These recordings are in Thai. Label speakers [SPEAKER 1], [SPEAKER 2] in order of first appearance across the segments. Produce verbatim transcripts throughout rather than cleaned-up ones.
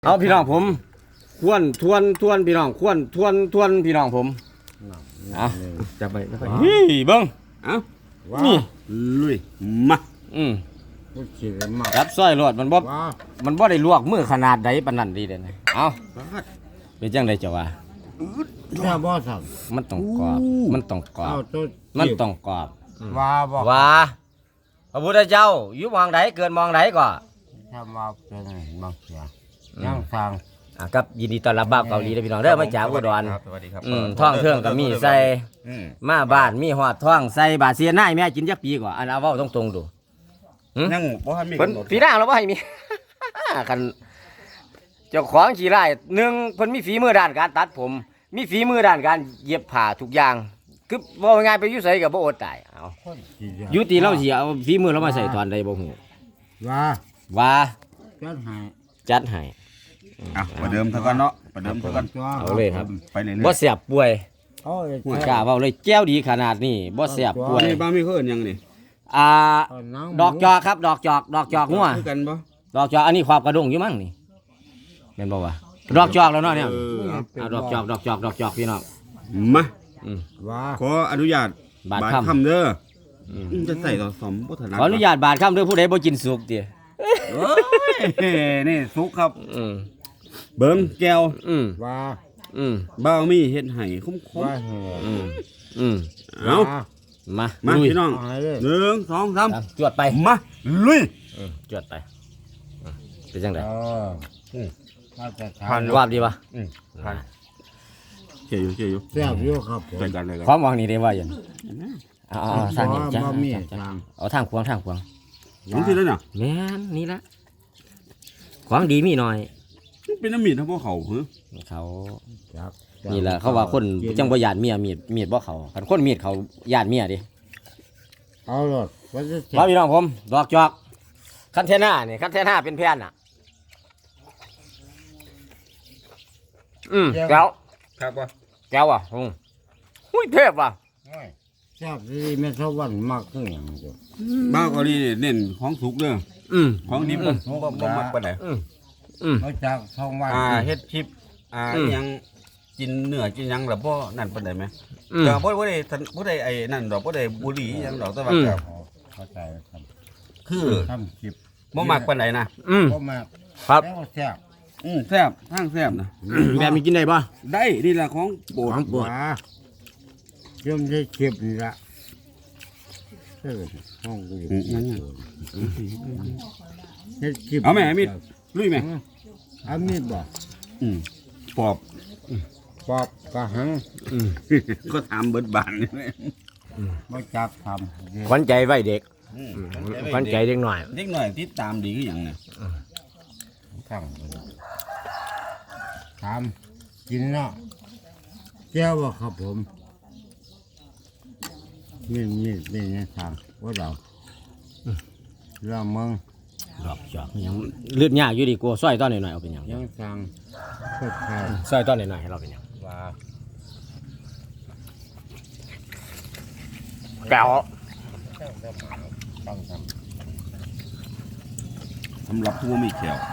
[SPEAKER 1] เอาพี่น้องผมทวนทวนทวนพี่น้องทวนทวนทวนพี่น้องผมเอาจับไปจับไปเฮ้ยเบิ้งเอานี่ลุยมาอืมรับสร้อยรถมันบ่มันบ่ได้ลวกมือขนาดใดปานนั้นดีเด้อเอาเป็นจังได๋เจ้าว่ามันต้องกรอบมันต้องกรอบมันต้องกรอบว่าบ่ว่าพระพุทธเจ้าอยู่มองใดเกินมองใดก็
[SPEAKER 2] ถ้ามาเป็นบางเสียยังทาง
[SPEAKER 1] กับยินดีต้อนรับบ้าวเกาหลีนะพี่น้องเด้อมาจากอุดร
[SPEAKER 3] สวัสดีครับ
[SPEAKER 1] ท่องเทื่องก็มีใส่มาบ้านมีหอดท่องใส่บาเสียนายแม่กินจักปีกว่าอันเอาเว้าตรงๆดู
[SPEAKER 3] ยังบ่ทันมี
[SPEAKER 1] เพิ่นปีหน้าเราบ่ให้มีคันเจ้าของขี้ไร่หนึ่งเพิ่นมีฝีมือด้านการตัดผมมีฝีมือด้านการเย็บผ้าทุกอย่างคือว่าง่ายไปอยู่ไสก็บ่อดตายเอาอยู่ที่เราสิเอาฝีมือเรามาใส่ตอนใดบ่ฮู้
[SPEAKER 2] ว่า
[SPEAKER 1] ว่า
[SPEAKER 2] จัดให้
[SPEAKER 1] จัดให้
[SPEAKER 3] อ่ะประเดิมเท่ากันเนาะประเดิมเท่ากัน
[SPEAKER 1] เอาเลยครับ
[SPEAKER 3] ไปเรื่อยๆ
[SPEAKER 1] บ่เสียบป่วยผู้กล้าเว้าเลยแก้วดีขนาดนี้บ่เสียบป่วย
[SPEAKER 3] นี่บ้ามีเขาเอิ้นหยังนี่
[SPEAKER 1] อ่าดอกจอกครับดอกจอกดอกจอกงัว
[SPEAKER 3] คือกันบ่
[SPEAKER 1] ดอกจอกอันนี้ความกระด้งอยู่มั้งนี่แม่นบ่วะดอกจอกแล้วเนาะเนี่ยอ่าดอกจอกดอกจอกดอกจอกพี่น้อง
[SPEAKER 3] มา
[SPEAKER 1] อืม
[SPEAKER 3] ว่าขออนุญาตบาดคำเด้ออืมจะใส่ต่อสมบ่ถนัด
[SPEAKER 1] ขออนุญาตบาดคำเด้อผู้ใดบ่กินสุกติ
[SPEAKER 3] โอ้ยนี่สุกครับ
[SPEAKER 1] อืม
[SPEAKER 3] เบิ่งแก้ว
[SPEAKER 1] อืม
[SPEAKER 2] ว่า
[SPEAKER 1] อืม
[SPEAKER 3] บ่าวมีเฮ็ดให้คุ้ม
[SPEAKER 1] ๆอืมอืม
[SPEAKER 3] เอา
[SPEAKER 1] มา
[SPEAKER 3] มาพี่น้องหนึ่งสองสาม
[SPEAKER 1] จวดไป
[SPEAKER 3] มาลุย
[SPEAKER 1] อืมจวดไปเป็นจังได๋
[SPEAKER 2] อืม
[SPEAKER 1] ผ่านวาบดีป่ะ
[SPEAKER 3] อืมผ่านเขียอยู่เขียอยู่
[SPEAKER 2] แซ่บอยู่ครับ
[SPEAKER 3] ใส่กันเลยครับ
[SPEAKER 1] ความหวังนี่ได้ว่าหยังอ๋อทางนี้จ้ะเอาทางขวางทางขวาง
[SPEAKER 3] มันสิแล้วน่ะ
[SPEAKER 1] แม่นนี่ละของดีมีหน่อย
[SPEAKER 3] เป็นน้ำมีดทั้งพวกเขาเหรอ
[SPEAKER 1] เขานี่แหละเขาว่าคนจังบ่ญาติเมียมีดมีดบ่เขาคันคนมีดเขาญาติเมียดิ
[SPEAKER 2] เอาโลด
[SPEAKER 1] ว่าพี่น้องผมดอกจอกคันเทน่านี่คันเทน่าเป็นแผ่นน่ะอืมแก้ว
[SPEAKER 3] ครับบ่
[SPEAKER 1] แก้วอ่ะอืมหุ้ยเทพว่ะ
[SPEAKER 2] แซ่บดีแม่สวรรค์มากคือหยังจ้ะ
[SPEAKER 3] บ้าวเกาหลีเน้นของสุกเด้อ
[SPEAKER 1] อืม
[SPEAKER 3] ของดิบบ่บ่มักปานใด
[SPEAKER 1] อืมอืม
[SPEAKER 2] มาจากท้องว่า
[SPEAKER 3] อ่าเฮ็ดคลิปอ่ายังกินเนื้อกินหยังล่ะบ่นั่นปานใดมั้ยก็บ่บ่ได้บ่ได้ไอ้นั่นดอกบ่ได้บุหรี่หยังดอกแต่ว่าก็
[SPEAKER 2] เข้าใจครับ
[SPEAKER 3] คือ
[SPEAKER 2] ทำคลิป
[SPEAKER 3] บ่มักปานใดนะ
[SPEAKER 1] อืม
[SPEAKER 2] บ่มัก
[SPEAKER 1] ครับ
[SPEAKER 2] แล้วแซ่บ
[SPEAKER 3] อืมแซ่บทางแซ่บนะ
[SPEAKER 1] แบบมีกินได้บ่
[SPEAKER 3] ได้นี่ล่ะของโปรด
[SPEAKER 2] ของโปรดยมได้คลิปนี่ล่ะเออห้องกูนั่นเฮ็ดคลิป
[SPEAKER 3] เอาแม่มีดลุยแม่
[SPEAKER 2] เอามีดบ่
[SPEAKER 3] อืมปอบ
[SPEAKER 2] ปอบกะหัง
[SPEAKER 3] ก็ถามเบิดบานนี่
[SPEAKER 2] บ่จักทำ
[SPEAKER 1] ขวัญใจไว้เด็กขวัญใจเด็กหน่อย
[SPEAKER 3] เด็กหน่อยติดตามดีคือหยังเนี่ย
[SPEAKER 2] ข้างถามกินเนาะแก้วบ่ครับผมมีมีมีเนี่ยทางว่าเราเราเมือง
[SPEAKER 1] ดอกจอกยังเลือดยากอยู่ดีกว่าซอยตอนหน่อยๆเอาเป็นหยัง
[SPEAKER 2] ยังทาง
[SPEAKER 1] ซอยตอนหน่อยๆให้เราเป็นหยัง
[SPEAKER 2] ว่า
[SPEAKER 1] แก้ว
[SPEAKER 3] สำหรับผู้มีแขว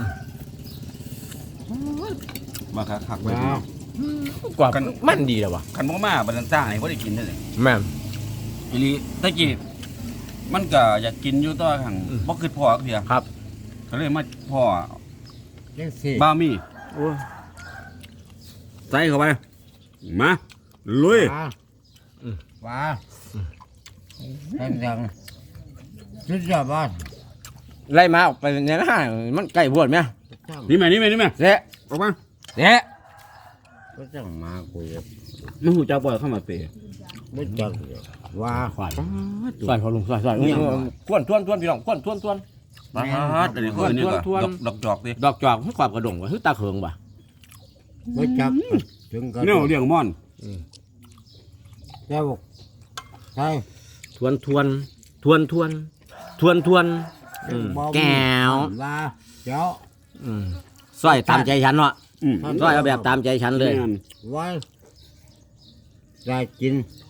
[SPEAKER 3] มาคักๆไว้
[SPEAKER 1] กว่ามันดีแล้ววะ
[SPEAKER 3] คันบ่มาบัดนั้นจ้างให้บ่ได้กินเด้อ
[SPEAKER 1] แม่น
[SPEAKER 3] อีหลีตะกี้มันก็อยากกินอยู่ต่อหั่งบ่คิดพอเพีย
[SPEAKER 1] ครับ
[SPEAKER 3] ก็เลยมาพ่อ
[SPEAKER 2] จังซี่
[SPEAKER 3] บ้ามีโอ้ใส่เข้าไปมาลุย
[SPEAKER 2] ว่าเป็นจังสุดยอดบ้าน
[SPEAKER 1] ไล่มาออกไปเนี่ยนะมันใกล้บวชไหม
[SPEAKER 3] นี่แม่นี่แม่นี่แม่
[SPEAKER 1] เจ๊
[SPEAKER 3] ออกมา
[SPEAKER 1] เจ๊
[SPEAKER 2] ก็จังมาคุย
[SPEAKER 3] มันหูจักบ่เข้ามาเปย์
[SPEAKER 2] ไม่จักว่า
[SPEAKER 1] ขวานขวานเขาลงขวานขวานทวนทวนทวนพี่น้องทวนทวนทวน
[SPEAKER 3] มาฮัดอันนี้คือนี่ก็ดอกจอกดิ
[SPEAKER 1] ดอกจอกให้ความกระดงว่ะคือตาเขิงว่ะ
[SPEAKER 2] ไม่จักถึงกัน
[SPEAKER 3] เนี่ยเลี้ยงม่อน
[SPEAKER 2] แล้วใช่
[SPEAKER 1] ทวนทวนทวนทวนทวนทวนแก้ว
[SPEAKER 2] ว่าเจ้า
[SPEAKER 1] ซอยตามใจฉันเนาะซอยเอาแบบตามใจฉันเลย
[SPEAKER 2] ไว้ได้กิน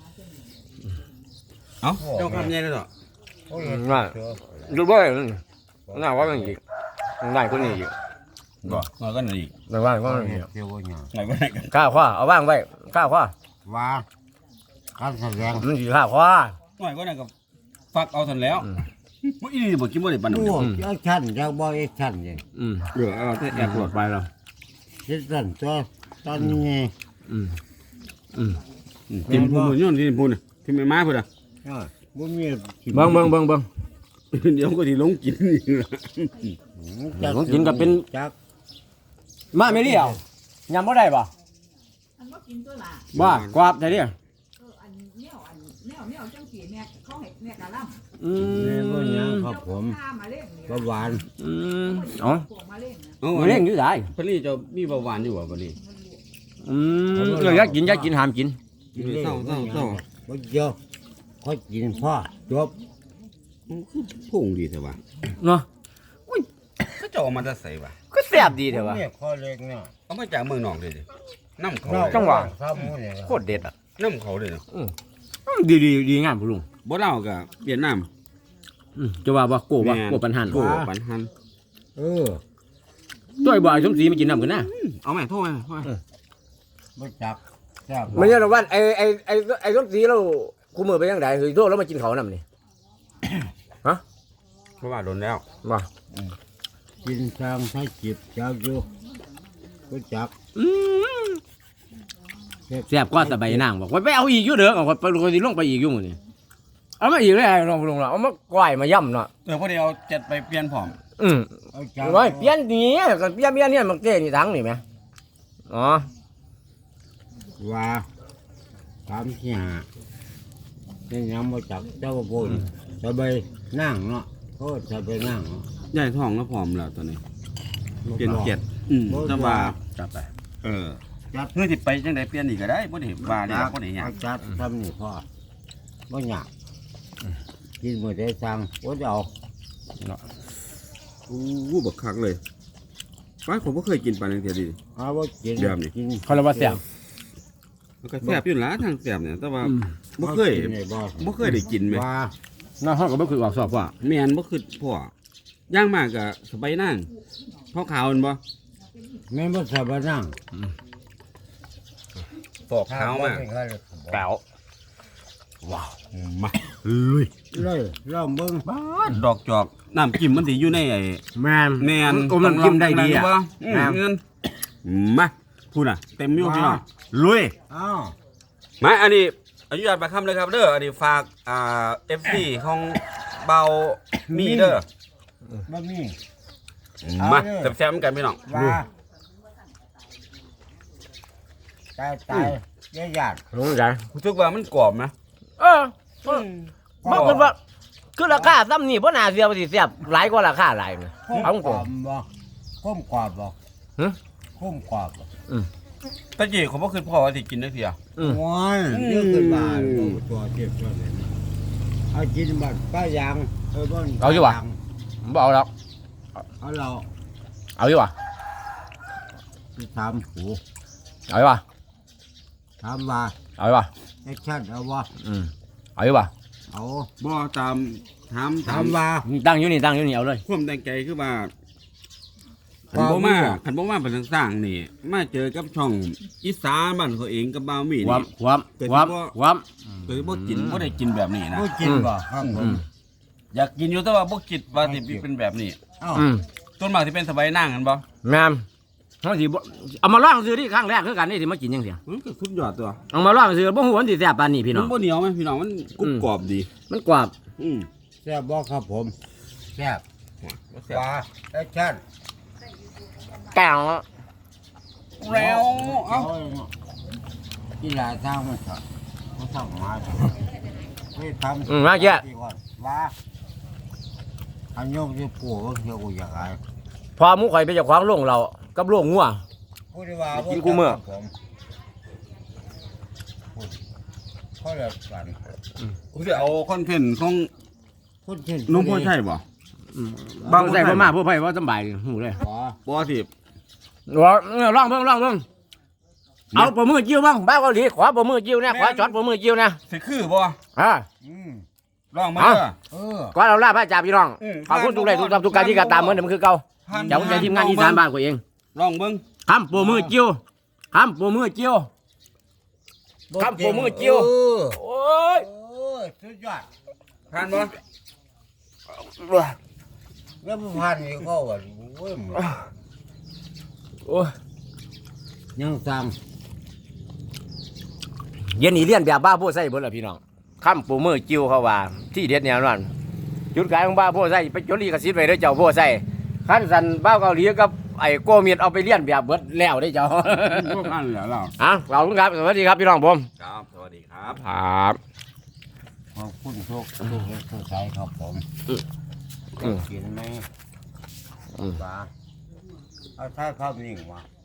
[SPEAKER 3] เอ้าเจ้าคำใหญ่เลยเหรอ
[SPEAKER 1] น่าดูบ่อยน่าว่ามันอีกน่าคนนี้อีก
[SPEAKER 3] บ่น้อยก็นี่
[SPEAKER 1] ระว่างก็
[SPEAKER 2] เที่ยวว่าหยัง
[SPEAKER 3] น้อยก็ได้กัน
[SPEAKER 1] ข้าวขว้าเอาว่างไว้ข้าวขว้า
[SPEAKER 2] ว่าการแสดง
[SPEAKER 1] มันสิข้าวขว้า
[SPEAKER 3] น้อยก็ได้ก็ฟักเอาทันแล้วบ่อีนี่บ่กินบ่ได้ปานนั้น
[SPEAKER 2] โอ้ยกชั้นจากบ่ไอ้ชั้นนี่
[SPEAKER 1] อืม
[SPEAKER 3] เออเอาแต่แอบหลดไปแล้ว
[SPEAKER 2] คิดสั่นตัวตอนนี้ไง
[SPEAKER 1] อืมอืม
[SPEAKER 3] กินพูนย้อนกินพูนที่ไม่มาพุ่นอ่ะ
[SPEAKER 2] อ้าวบ่มีกิน
[SPEAKER 1] เบิ่งเบิ่งเบิ่งเบิ่ง
[SPEAKER 3] เดี๋ยวก็สิลงกินนี่ล่ะ
[SPEAKER 2] จั
[SPEAKER 1] ของกินก็เป็น
[SPEAKER 2] จัก
[SPEAKER 1] มาไม่เลี้ยวยำบ่ได้บ่
[SPEAKER 4] อันว่ากินตัวละ
[SPEAKER 1] บ่กวาบได้เด้อ
[SPEAKER 4] เอออันแนวอันแนวแนวจังสีแม่เขาให้แม่กะล่ำ
[SPEAKER 1] อื
[SPEAKER 2] แม่บ่หยัง
[SPEAKER 1] ม
[SPEAKER 2] ครับผม
[SPEAKER 4] ข้ามาเล่นเนี่ย
[SPEAKER 2] ก็หวาน
[SPEAKER 1] อืมอ๋อ
[SPEAKER 4] พวกมาเล่นนะ
[SPEAKER 3] เอา
[SPEAKER 1] มาเล่นอยู่ได้
[SPEAKER 3] เพิ่นนี่จะมีเบาหวานอยู่บ่บัดนี้
[SPEAKER 1] อืมเอออยากกินอยากกินห้ามกิน
[SPEAKER 2] กินเลย
[SPEAKER 3] เศร้าเศร้าเศร้า
[SPEAKER 2] บ่เยอะค่อยกินพ่อจบ
[SPEAKER 3] คือพุ่งดีแต่ว่า
[SPEAKER 1] เนาะ
[SPEAKER 3] เขาจะเอามาจะใส่ว่ะ
[SPEAKER 1] ก็แซ่บดีเถอะวะ
[SPEAKER 2] เนี่ยข้อเล็กเนี่ย
[SPEAKER 3] เอามาจากเมืองนอกเลยดิน้ำเขา
[SPEAKER 1] จังหวะ
[SPEAKER 2] ข้าวหมูเนี่ย
[SPEAKER 1] โคตรเด็ดอ่ะ
[SPEAKER 3] น้ำเขาเลยเนาะ
[SPEAKER 1] ดีดีดีงามพุ่นลุง
[SPEAKER 3] บ่เล่ากับเวียดนาม
[SPEAKER 1] อืมจะว่าบ่โกว่าโกปันหัน
[SPEAKER 3] โกปันหัน
[SPEAKER 2] เออ
[SPEAKER 1] ตัวไอ้บ่ไอ้สมศรีมากินน้ำกันนะ
[SPEAKER 3] เอาไหมโทษไหมโทษไหม
[SPEAKER 2] บ่จักแซ่บ
[SPEAKER 1] ไม่ใช่หรอกว่าไอ้ไอ้ไอ้ไอ้สมศรีเราคู่มือไปยังไงคือโทษแล้วมากินเขาวนำนี่
[SPEAKER 3] เพราะว่าโดนแล้ว
[SPEAKER 1] บ่
[SPEAKER 2] กินทางถ้าจิบจักอยู่บ่จัก
[SPEAKER 1] อืมแซ่บกว่าตะไบนางบอกว่าไปเอาอีกอยู่เด้อเอาไปลงสิลงไปอีกอยู่มื้อนี้เอามาอีกเลยไอ้ลองลงละเอามากล้วยมาย่ำเนาะ
[SPEAKER 3] เออพอดีเอาเจ็ดไปเปลี่ยนผอม
[SPEAKER 1] อืม
[SPEAKER 2] เอาจัก
[SPEAKER 1] ไว้เปลี่ยนนี่ก็เปลี่ยนเปลี่ยนเนี่ยมันเก้นี่ทั้งนี่แหมอ๋อ
[SPEAKER 2] ว่าสามสี่ห้านี่ยังบ่จักเจ้าบ่นสบายนั่งเนาะโคตรสบายนั่งเนาะ
[SPEAKER 3] ใหญ่ท้องแล้วผอมแล้วตอนนี้เปลี่ยนเจ็ดอืมแต่ว่าจับไปเออ
[SPEAKER 2] จัด
[SPEAKER 3] เพื่อที่ไปจังไดเปลี่ยนอีกก็ได้บ่ได้ว่าได้บ่ได้หยัง
[SPEAKER 2] เอาจัดทำนี่พ่อบ่ยากกินบ่ได้สั่งบ่จะเอา
[SPEAKER 3] โอ้บักคักเลยป้าผมบ่เคยกินปลาจังซี่ดิ
[SPEAKER 2] เอาบ่กิน
[SPEAKER 3] เดี๋ยวนี่
[SPEAKER 2] กิน
[SPEAKER 1] เขาเรียกว่าแซ่บ
[SPEAKER 3] มันก็แซ่บอยู่ล่ะทางแซ่บเนี่ยแต่ว่า
[SPEAKER 1] อืม
[SPEAKER 3] บ่เคย
[SPEAKER 2] กินได้บ่
[SPEAKER 3] บ่เคยได้กินแม่
[SPEAKER 2] ว่า
[SPEAKER 1] น้าเฮาก็บ่คือออกสอบว่า
[SPEAKER 3] แม่นบ่คือพ่อย่างมากก็สบายนางขาวๆแม่นบ่
[SPEAKER 2] แม่นบ่สบายนั่ง
[SPEAKER 3] ฟอกขาวมาก
[SPEAKER 1] แก้ว
[SPEAKER 3] ว้าวมาเอ้ย
[SPEAKER 2] เลยลองเบิ่ง
[SPEAKER 3] ดอกจอกน้ำจิ้มมันสิอยู่ในไอ้
[SPEAKER 1] แม่น
[SPEAKER 3] แม่น
[SPEAKER 1] อมน้ำจิ้มได้ดีอ่ะ
[SPEAKER 3] บ่อืมเงินมาพูดน่ะเต็มอยู่พี่น้องลุย
[SPEAKER 2] อ้าว
[SPEAKER 3] มาอันนี้อนุญาตประคำเลยครับเด้ออันนี้ฝากอ่า เอฟ ซี ของเบามีเด้อ
[SPEAKER 2] บ่มี
[SPEAKER 3] มาแซ่บๆเหมือนกันพี่น้อง
[SPEAKER 2] ว่าตายตายยายาด
[SPEAKER 1] รู้จัก
[SPEAKER 3] รู้สึกว่ามันกรอบนะ
[SPEAKER 1] เออบ่คือว่าคือราคาซ้ำนี่บ่น่าเสียว่าสิแซ่บหลายกว่าราคาหลายนะเอาต
[SPEAKER 2] ก
[SPEAKER 1] ร
[SPEAKER 2] รง อบบ่ข้มกรอบบ่
[SPEAKER 1] ฮะ
[SPEAKER 2] ข้มกรอบบ่
[SPEAKER 3] ตะกี้เขาบ่คือพ่อว่าสิกินได้เสีย
[SPEAKER 1] อืม
[SPEAKER 2] ว้ายเยอะขึ้นมาบ่ตัวเทียบตัวนี้เอากินบัดป้ายางเออบ่
[SPEAKER 1] เอาอยู่วะ บ่เอาแล้ว
[SPEAKER 2] เอาเรา
[SPEAKER 1] เอาอยู่ว่ะ
[SPEAKER 2] ไปถามหู
[SPEAKER 1] เอาอยู่ว่ะ
[SPEAKER 2] ถามว่า
[SPEAKER 1] เอาอยู่ว่ะ
[SPEAKER 2] แอคชั่นเอาว่า
[SPEAKER 1] อืมเอาอยู่ว่ะ
[SPEAKER 2] เอา
[SPEAKER 3] บ่ตามถาม
[SPEAKER 2] ถามว่า
[SPEAKER 1] ตั้งอยู่นี่ตั้งอยู่นี่เอาเลย
[SPEAKER 3] ความตั้งใจคือว่าคันบ่มาคันบ่มาเป็นสร้างๆนี่ มาเจอกับช่องอีสานบ้านเขาเองกับบ่าวมี
[SPEAKER 1] ความ
[SPEAKER 3] นี่
[SPEAKER 1] ความความความ
[SPEAKER 3] เคยบ่กินบ่ได้กินแบบนี้นะ
[SPEAKER 2] บ่กินบ่ครับผ
[SPEAKER 1] อื
[SPEAKER 2] ม
[SPEAKER 1] ม
[SPEAKER 3] อยากกินอยู่แต่ว่าบ่คิดว่าสิเป็นแบบนี้
[SPEAKER 2] เอ้า
[SPEAKER 1] อืม
[SPEAKER 3] ต้นมากสิเป็นสบายนั่งกันบ่
[SPEAKER 1] แม่นเฮาสิบ่เอามาลองซื้อที่ครั้งแรกคือกันนี่สิมากินจังซี่
[SPEAKER 3] มันก็สุดยอดตัว
[SPEAKER 1] เอามาลองซื้อบ่ฮู้ว่ามันสิแซ่บปานนี้พี่น้
[SPEAKER 3] มั
[SPEAKER 1] อง
[SPEAKER 3] นบ่เหนียวไหมพี่น้องมันกรุบกรอบดี
[SPEAKER 1] มันกรอบ
[SPEAKER 3] อืม
[SPEAKER 2] แซ่บบ่ครับผมแซ่บว่าแอคชั่น
[SPEAKER 1] แก้ว
[SPEAKER 3] แล้วเอ้า
[SPEAKER 2] กีฬาทางมันครับมันทำมาเฮ้ยทำ
[SPEAKER 1] อืมมาเจ้า
[SPEAKER 2] ก่อนว่าอันยกที่ปู่ก็เที่ยวกูอยากไอ้
[SPEAKER 1] พอหมูข่อยไปเจ้าของโรงเรากับโรงงัว
[SPEAKER 2] พูดได้ว่า
[SPEAKER 1] กินกูเมื่อ
[SPEAKER 2] ผมพูดเขาเรียกกัน
[SPEAKER 3] กูสิเอาคอนเทนต์ของ
[SPEAKER 2] พูดเช่น
[SPEAKER 3] นุ่มพ่อใช่บ่
[SPEAKER 1] บางใส่บ่มาผู้ไผบ่สำบายหูเลย
[SPEAKER 2] ขอ
[SPEAKER 3] บ่สิ
[SPEAKER 1] ว่าลองเบิ่งลองเบิ่งเอาปมือจิ้วบ้างบ้าเกาหลีขอปมือจิ้วนะขอช็อตปมือจิ้วนะ
[SPEAKER 3] สิคือบ่
[SPEAKER 1] อ่า
[SPEAKER 2] อืม
[SPEAKER 3] ลองมา
[SPEAKER 1] เอา
[SPEAKER 3] เด้อ
[SPEAKER 2] เออ
[SPEAKER 1] ก่อนเราล่าพระจ่าพี่น้อง
[SPEAKER 3] อืม
[SPEAKER 1] ขอบคุณทุกไลค์ทุกทับทุกการที่กระตามเหมือนเดิมคือเก่า
[SPEAKER 3] พัน
[SPEAKER 1] เดี๋ยวผมจะทีมงานอีสานบ้านกูเอง
[SPEAKER 3] ลองเบิ่ง
[SPEAKER 1] คำโปรมือจิ้วคำโปรมือจิ้ว คำโปรมือจิ้ว
[SPEAKER 2] เออ
[SPEAKER 1] โอ้ย
[SPEAKER 2] โอ้ยสุดยอด
[SPEAKER 3] ผ่านบ่
[SPEAKER 2] แล้วมันผ่านนี่ก็ว่าโอ้ย
[SPEAKER 1] โอ้ย
[SPEAKER 2] ยังสั่ง
[SPEAKER 1] เย็นนี้เลี้ยนแบบบ้าโพใส่เบิดล่ะพี่น้องคำโปรมือจิ้วเขาว่าที่เด็ดแนวนั้นจุดขายของบ้าโพใส่ไปจดลิขสิทธิ์ไว้เด้อเจ้าโพใส่ขั้นสันบ้าเกาหลีกับไอ้โกเมียดเอาไปเลี้ยนแบบเบิดแล้วได้อเจ้า
[SPEAKER 3] พวกนั้นเหรอเรา
[SPEAKER 1] อ่ะเราทุกครับสวัสดีครับพี่น้องผม
[SPEAKER 3] ครับสวัสดีครับ
[SPEAKER 1] ครับ
[SPEAKER 2] ขอบคุณทุกทุกทุกใจครับผม
[SPEAKER 1] อืม
[SPEAKER 2] กินไหม
[SPEAKER 1] อืม
[SPEAKER 2] ปลาเอาถ้าข้าวนิ่งวะ